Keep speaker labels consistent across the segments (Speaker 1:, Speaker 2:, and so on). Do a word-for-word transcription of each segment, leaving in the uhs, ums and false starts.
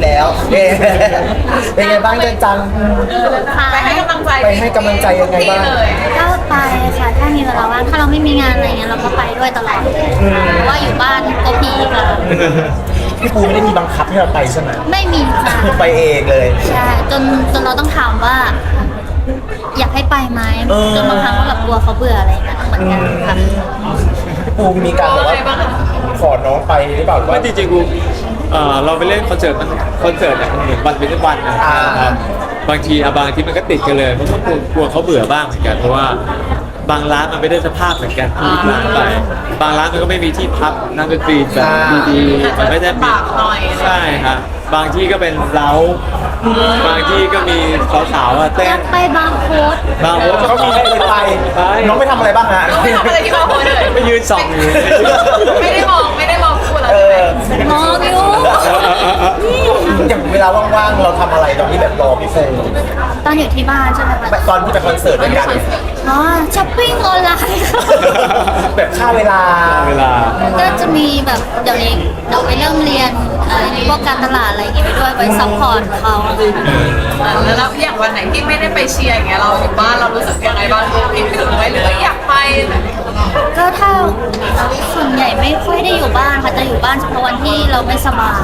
Speaker 1: แล้วเอ๊ะเป็นไงบ้างเจนจัง
Speaker 2: ไปให้กำลังใจ
Speaker 1: ไปให้กำลังใจยังไงบ้าง
Speaker 3: ก็ไปค่ะถ้ามีเวลาว่างถ้าเราไม่มีงานอะไรเงี้ยเราก็ไปด้วยตลอดเพราะว่าอยู่บ้านก็พีค่ะ
Speaker 1: พี่ปูไม่ได้มีบังคับให้เราไปใช่ไหม
Speaker 3: ไม่มีค่ะ
Speaker 1: ไปเองเลย
Speaker 3: ใช่จนจนเราต้องถามว่า อยากให้ไปไหม
Speaker 1: เออ
Speaker 3: จนบางครั้งก็แบบกลัวเขาเบื่ออะไรเงี้ยเหมือนกันค่ะ
Speaker 1: พี่ปูมีการแบบว่าขอน้องไปหรือเปล่าหรือ
Speaker 4: ว่า
Speaker 1: ว่า
Speaker 4: จริงๆกูเอ่อเราไปเล่นคอนเสิร์ตมันคอนเสิร์ตเนี่ยมันเหมือนวันเป็นวันนะ
Speaker 1: อ่า
Speaker 4: ครับบางทีอะบางทีมันก็ติดกันเลยเพราะว่ากลัวกลัวเขาเบื่อบ้างเหมือนกันเพราะว่าบางร้านมันไม่ได้สภาพเหมือนกันทุกร้านไปบางร้านมันก็ไม่มีที่พักนักดนตรีแบบดีๆมันไม่ได้มีใช่ครับบางที่ก็เป็นเล้าบางที่ก็มีสาวๆอะ
Speaker 3: อ
Speaker 4: เต้
Speaker 3: ยาน กไปบางโพส
Speaker 4: บางโฮส
Speaker 1: เขามีให้ไป
Speaker 4: ไป
Speaker 1: น้องไปทำอะไรบ้างฮะ
Speaker 2: ไม่ทำอะไรที่บางคนเลย
Speaker 4: ไปยืนส่องอยู่
Speaker 2: ไม่ได้มองไม่ได้มองคู่เรา
Speaker 1: เออ
Speaker 3: มองอยู่
Speaker 1: อย่างเวลาว่างๆเราทำอะไรตอนที่แบบรอพี่ปู
Speaker 3: ตอนอยู่ที่บ้านใช่ไหมคะ
Speaker 1: ตอนที่ไปคอนเสิร์ตด้วยกัน
Speaker 3: อ๋อช้อปปิ้งออนไลน์ค่ะ
Speaker 1: แบบค่าเวลา
Speaker 4: เวลา
Speaker 3: ก็จะมีแบบเดี๋ยวนี้เราไปเริ่มเรียนอะไรพวกการตลาดอะไรอย่างงี้ไปด้วยไปซัพพอร์ตเขา
Speaker 2: แล้วเราอย่างวันไหนที่ไม่ได้ไปเชียร์อย่างเงี้ยเราอยู่บ้านเรารู้สึกยังไงบ้างคิดถึงไหมหรือว่าอยากไป
Speaker 3: ก็ถ้าส่วนใหญ่ไม่ค่อยได้อยู่บ้านค่ะจะอยู่บ้านเฉพาะวันที่เราไม่สบาย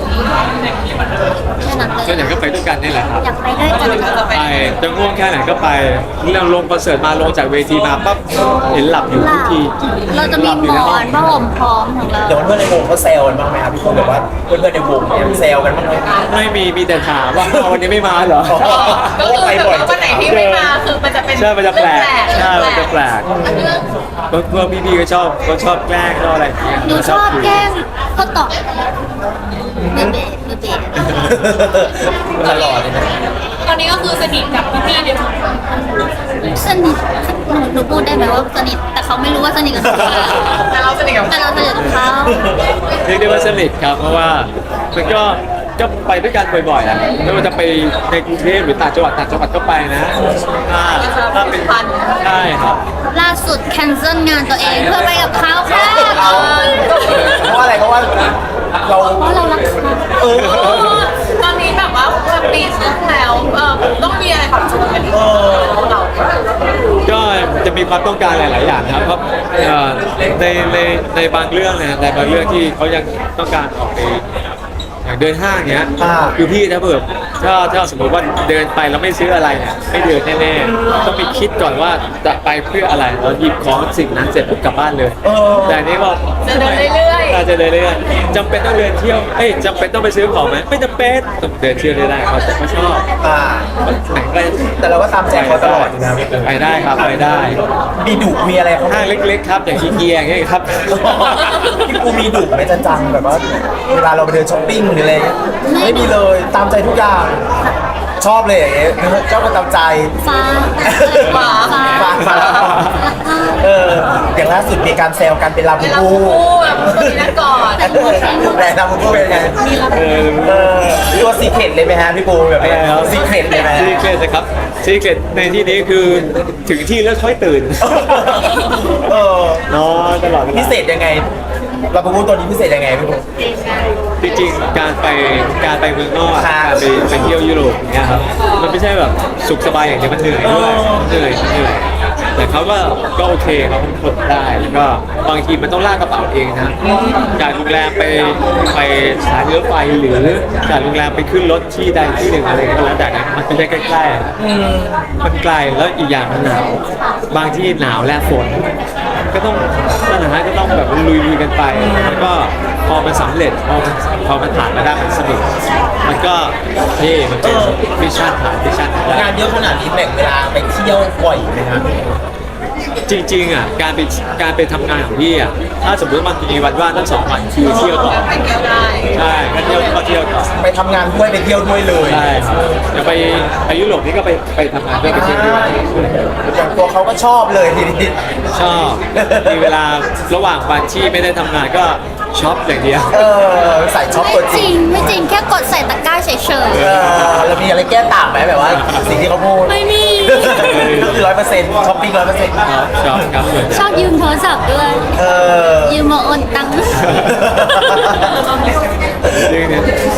Speaker 3: แค่นั้นเล
Speaker 4: ส่วนใหญ่
Speaker 3: ย
Speaker 4: ก็ไปด้วยกันนี่แหละครับ
Speaker 3: อยากไปด้วยกันค่ะ
Speaker 4: ไปจะง่วงแค่ไหนก็ไปเรื่องลงคอนเสิร์ตมาลงจากเวทีมาปั๊บเห็นหลับอยู่
Speaker 3: ห
Speaker 4: ทุ
Speaker 3: ลั
Speaker 4: ก
Speaker 3: บ
Speaker 4: ที
Speaker 3: เราจะมีหมอนผ้าห่มพร้อมของเรา
Speaker 1: เดี๋ยวเพื่อนๆในวงเขาแซวกันบ้างไหมครับพี่ปูแบบว่าเพื่อนๆในวงเนี่ยแซวกันบ้างไหม
Speaker 4: ไม่มีมีแต่ถามว่าอ้าววันนี้ไม่มาเหรอ
Speaker 1: อ๋อ
Speaker 2: ก็คือแต่ว่าวันไหนที่ไม่มาคือมันจะเป็น
Speaker 4: ใช่มันจะแปลกใช่มันจะแปลก
Speaker 2: เรื่อง
Speaker 4: พวกพวกพี่ๆก็ชอบก็ชอบแกล้งชอบอะไรอย่างเงี้ย
Speaker 3: หนูชอบแกล้งก็ตอบมือเบสมือเบส
Speaker 1: ตลอดเลยนะ
Speaker 2: ตอนนี้ก็คือสนิทกับพี่ๆเนี่ย
Speaker 3: สนิทหนูหนูพูดได้ไหมว่าสนิทแต่เขาไม่รู้ว่าสนิทกับเขา
Speaker 2: แต่เราสนิทกับ
Speaker 3: แต่เราสนิทกับเขา
Speaker 4: เรียกได้ว่าสนิทครับเพราะว่ามันก็ก็ไปด้วยกันบ่อยๆอ่ะไม่ว่าจะไปในกรุงเทพหรือต่างจังหวัดต่างจังหวัดก็ไปนะถ้าถ้าเป็นใช่ครับ
Speaker 3: ล่าสุดแคนเซิลงานตัวเองเพื่อไปกับเขาค่ะ
Speaker 1: เอาเพราะอะไรเพราะว่าเรา
Speaker 3: เพราะเรารักเขา
Speaker 1: เออ
Speaker 2: ตอนนี้แบบว่าปีครึ่งแล้วเออต้องมีอะไรปรับจูนกันอีกเรา
Speaker 4: ก็จะมีความต้องการหลาย ๆ อย่างนะครับเพราะเอ่อในในในบางเรื่องนะในบางเรื่องที่เขายังต้องการออกไปอย่างเดินห้างเนี้ย
Speaker 1: อ่า
Speaker 4: คือพี่ถ้าเผื่อถ้าถ้าสมมติว่าเดินไปแล้วไม่ซื้ออะไรเนี่ยไม่เดินแน่ ๆ ต้องมีคิดก่อนว่าจะไปเพื่ออะไรเราหยิบของสิ่งนั้นเสร็จปุ๊บกลับบ้านเลย
Speaker 1: เออ
Speaker 4: แต่อันนี้ก็
Speaker 2: จะเดินเรื่อยๆ
Speaker 4: าจะเดินเรื่อยๆจำเป็นต้องเดินเที่ยวเอ้ยจำเป็นต้องไปซื้อของไหมไม่จำเป็นต้องเดินเที่ยวได้เขาแต่เขาชอบ
Speaker 1: อ่า
Speaker 4: แข็งแรง
Speaker 1: แต่เราก็ตามใจเขาตลอดอยู่นะพี่ปู
Speaker 4: ไปได้ครับไปได้
Speaker 1: มีดุมีอะไรเขา
Speaker 4: ห้างเล็กๆครับอย่างอีเกียอย่างเงี้ยครับ
Speaker 1: พี่ปูมีดุไหมจันจังแบบว่าเวลาเราไปเดินช้อปปิ้งหรืออะไรเงี้ยไม่มีเลยตามใจทุกอย่างชอบเลยอย่างเงี้ยชอบก็ตามใจ
Speaker 3: ฟ้า
Speaker 2: หมา
Speaker 3: ฟ้า
Speaker 1: มามาเอออย่างล่าสุดมีการแซวกันเป็นลาบู
Speaker 2: เวลา
Speaker 1: บู
Speaker 2: คู่แบบมีนักกอด
Speaker 1: แต่ลาบูบูเป็นไง
Speaker 4: เออ
Speaker 1: เออตัวซีเคร็ตเลยไหมฮะพี่ปูแบบ
Speaker 4: อะไรครับ
Speaker 1: ซีเคร็ตเลยไหม
Speaker 4: ซีเครตนะครับซีเครตในที่นี้คือถึงที่แล้วค่อยตื่น
Speaker 1: เออน
Speaker 4: อนตลอดวลา
Speaker 1: พิเศษยังไงลาบูบูตัวนี้พิเศษยังไงพี่ปู
Speaker 4: จริงๆการไปการไปเมืองนอก
Speaker 1: ครับ
Speaker 4: การไปไปเที่ยวยุโรปอย่างเงี้ยครับมันไม่ใช่แบบสุขสบายอย่างเดียวมันเหนื่อยด้วยมันเหนื่อยมันเหนื่อยแต่เขาก็ก็โอเคเขาทนได้แล้วก็บางทีมันต้องลากกระเป๋าเองนะจากโรงแรมไปไปสถานีรถไฟหรือจากโรงแรมไปขึ้นรถที่ใดที่หนึ่งอะไรก็แล้วแต่นะมันไม่ใช่ใกล้ๆอะมันไกลแล้วอีกอย่างมันหนาวบางที่หนาวและฝน ก็ต้องนั่นนะฮะก็ต้องแบบลุยๆกันไปแล้วก็พอมันสำเร็จพอมันพอมันผ่านมาได้มันสนุกมันก็เท่มันเป็นมิชชั่นผ่านมิชชั่นได้
Speaker 1: งานเยอะขนาดนี้แบ่งเวลาไปเที่ยวบ่อยไหมครับ
Speaker 4: จริงๆอ่ะการไปการไปทำงานของพี่อ่ะถ้าสมมติมันมีวันว่างทั้งสองวันคือเที่ยวต่อ
Speaker 2: ไปเที่ยวได้
Speaker 4: ใช่ก็เที่ยวก็เที่ยวต่อ
Speaker 1: ไปทำงานด้วยไปเที่ยวด้วยเลย
Speaker 4: ใช่ครับเดี๋ยวไปไปยุโรปนี่ก็ไปไปทำงานด้วยไปเที่ยวด้วย
Speaker 1: อย่างตัวเขาก็ชอบเลยทีนี้
Speaker 4: ชอบมีเวลาระหว่างวันที่ไม่ได้ทำงานก็ช็อปอย่างเดียว
Speaker 1: เออใส่ช็อป
Speaker 3: ไม่
Speaker 1: ตัวจ
Speaker 3: จ
Speaker 1: ริ
Speaker 3: ริ
Speaker 1: ง
Speaker 3: งไม่จริงแค่กดใส่ตะกร้าเฉย
Speaker 1: เออแล้วมีอะไรแก้ต่างไหมแบบว่า สิ่งที่เขาพูด
Speaker 3: ๆไม่มี
Speaker 1: ก็คือร้อยเปอร์เซ็นต์ช้อปปิ้งร้อยเปอร์เซ็นต์
Speaker 4: ครับชอบครับส่วนใหญ่
Speaker 3: ชอบยืมโทรศัพท์ด้วย
Speaker 1: เออ
Speaker 3: ยืมมาโอนตังค์
Speaker 4: จริงเนี่ยเอา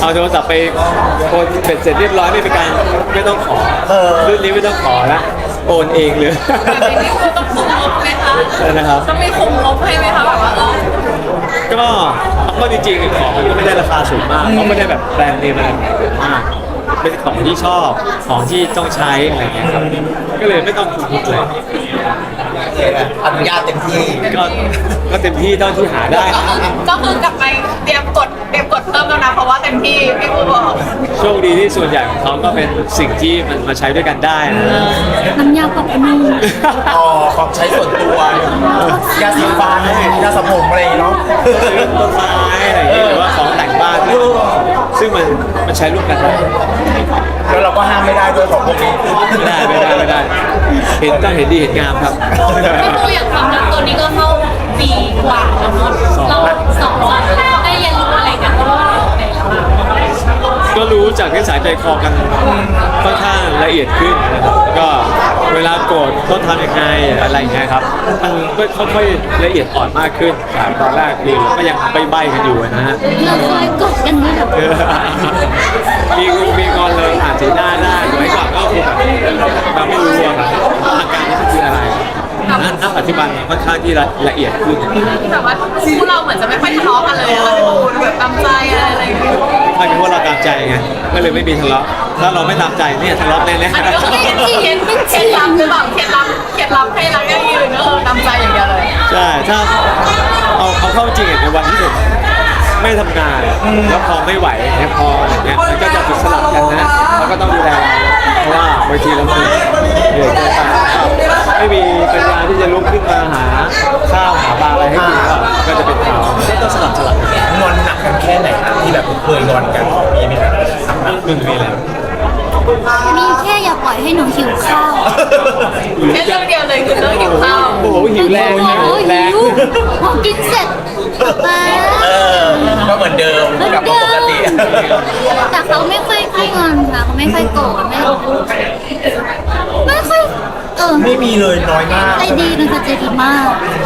Speaker 4: เอาโทรศัพท์ไปโอนเป็นเสร็จเรียบร้อยไม่เป็นการไม่ต้องขอ
Speaker 1: เออ
Speaker 4: รุ่นนี้ไม่ต้องขอละโอนเองเลย
Speaker 2: แบบนี้นี่คือต้องคุมงบไหมคะ
Speaker 4: ใช่นะครับ
Speaker 2: ต้องมีคุมงบให้ไหมคะแบบว่าเออ
Speaker 4: ก็ก็จริงๆของมันก็ไม่ได้ราคาสูงมากเขาไม่ได้แบบแบรนด์เนมอะไรมากเป็นของที่ชอบของที่ต้องใช้อะไรเงี้ยครับก็เลยไม่ต้องคุกเลย
Speaker 1: โอเคอนุญาตเต็มที่
Speaker 4: ก็ก็เต็มที่เท่าที่หาได้
Speaker 2: ก็คือกลับไปเตรียมกดเตรียมกดเพิ่มแล้วนะเพราะว่าเต็มที่พี่ปูบอก
Speaker 4: โชคดีที่ส่วนใหญ่ของเขาก็เป็นสิ่งที่มันมาใช้ด้วยกันได้นะ
Speaker 3: น้ำยาปรับผ้านุ่ม
Speaker 1: อ๋อของใช้ส่วนตัวยาสีฟันยาสระผมอะไรอย่างเงี้ยเนาะ
Speaker 4: ซื้อต้นไม้อะไรอย่างเงี้ยหรือว่าของแต่งบ้านซึ่งมันมันใช้ร่วมกันได้
Speaker 1: แล้วเราก็ห้ามไม่ได้ด้วยของพวกนี้
Speaker 4: ไม่ได้ไม่ได้ไม่ได้ เห็นต้องเห็นดีเห็นงามครับ
Speaker 3: พี่ปูอยากทำนะตัวนี้ก็เข้าปีกว่าแล้วเนาะเราสองคนได้เรียนรู้อะไรกันบ้าง
Speaker 4: ก็รู้จากนิสัยใจคอกันค่อนข้างละเอียดขึ้นนะครับก็เวลาโกรธต้องทำยังไงอะไรอย่างเงี้ยครับมันก็ค่อยๆละเอียดอ่อนมากขึ้นจากตอนแรกคือก็ยังใบ้ๆกันอยู่นะฮะ
Speaker 3: เราเคยกดกันด้วยแบบ
Speaker 4: เออมีมีงอนเลยอ่านสีหน้าได้สมัยก่อนก็คือแบบเราไม่รู้อะครับอาการนี้คืออะไรนั่นณปัจจุบันค่อนข้างที่ละละเอียดขึ้น
Speaker 2: แบบว่าคู่เราเหมือนจะไม่ค่อยทะเลาะกันเลยอะพี่ปูแบบตามใจอะไรอะไรอย่างเงี้ย
Speaker 4: ถ้าเป็นว่าเราตามใจไงก็เลยไม่มีทะเลาะถ้าเราไม่ตามใจเนี่ยทะเลาะแน่
Speaker 2: อันนี้ก็คือเคล็ดเคล็ดเคล็ดลับหรือเปล่าเคล็ดลับเคล็ดลับให้รักยั่งยืนก็คือตามใจอย่างเดียวเลย
Speaker 4: ๆใช่ถ้าเอาเอาเข้าจริงอะในวันที่ผมไม่ทำงานแล้วพอไม่ไหวเนี่ยพออย่างเงี้ยมันก็จะถูกสลับกันนะเราก็ต้องดูแลเพราะว่าบางทีเราคือเหนื่อยเกินไปไม่มีปัญญาที่จะลุกขึ้นมาหาข้าวหาปลาอะไรให้กินก็ก็จะเป็นเขาต้องสลับสลับกัน
Speaker 1: งอนหนักกันแค่ไหนครับที่แบบเคยงอนกันมีไหมครับ
Speaker 4: มันมีแล้ว
Speaker 3: มีแค่อย่าปล่อยให้หนูหิวข้าว
Speaker 2: แค่เรื่องเดียวเลยคือเรื่องหิวข้าว
Speaker 4: โอ้โหหิวแรง
Speaker 3: โอ้
Speaker 4: หิว
Speaker 3: โห
Speaker 4: แร
Speaker 3: หิ
Speaker 4: ง
Speaker 3: วพอกินเสร็จมา
Speaker 1: เออก็เหมือนเดิมกลับมาปกติ
Speaker 3: แต่เขาไม่ค่อยขี้งอนค่ะเขาไม่ค่อยโกรธไม่ไม่ค่อยเออ
Speaker 1: ไม่มีเลยน้อยมาก
Speaker 3: ใจดีนะคะใจดีมาก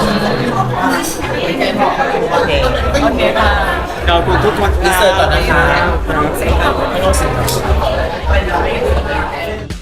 Speaker 1: โอเค
Speaker 2: โอเคค่ะ
Speaker 4: ขอบคุณทุกคน
Speaker 1: อินเสิร์ตก่อนนะคะ
Speaker 4: ครับ
Speaker 1: ไม่ต้องสิครับ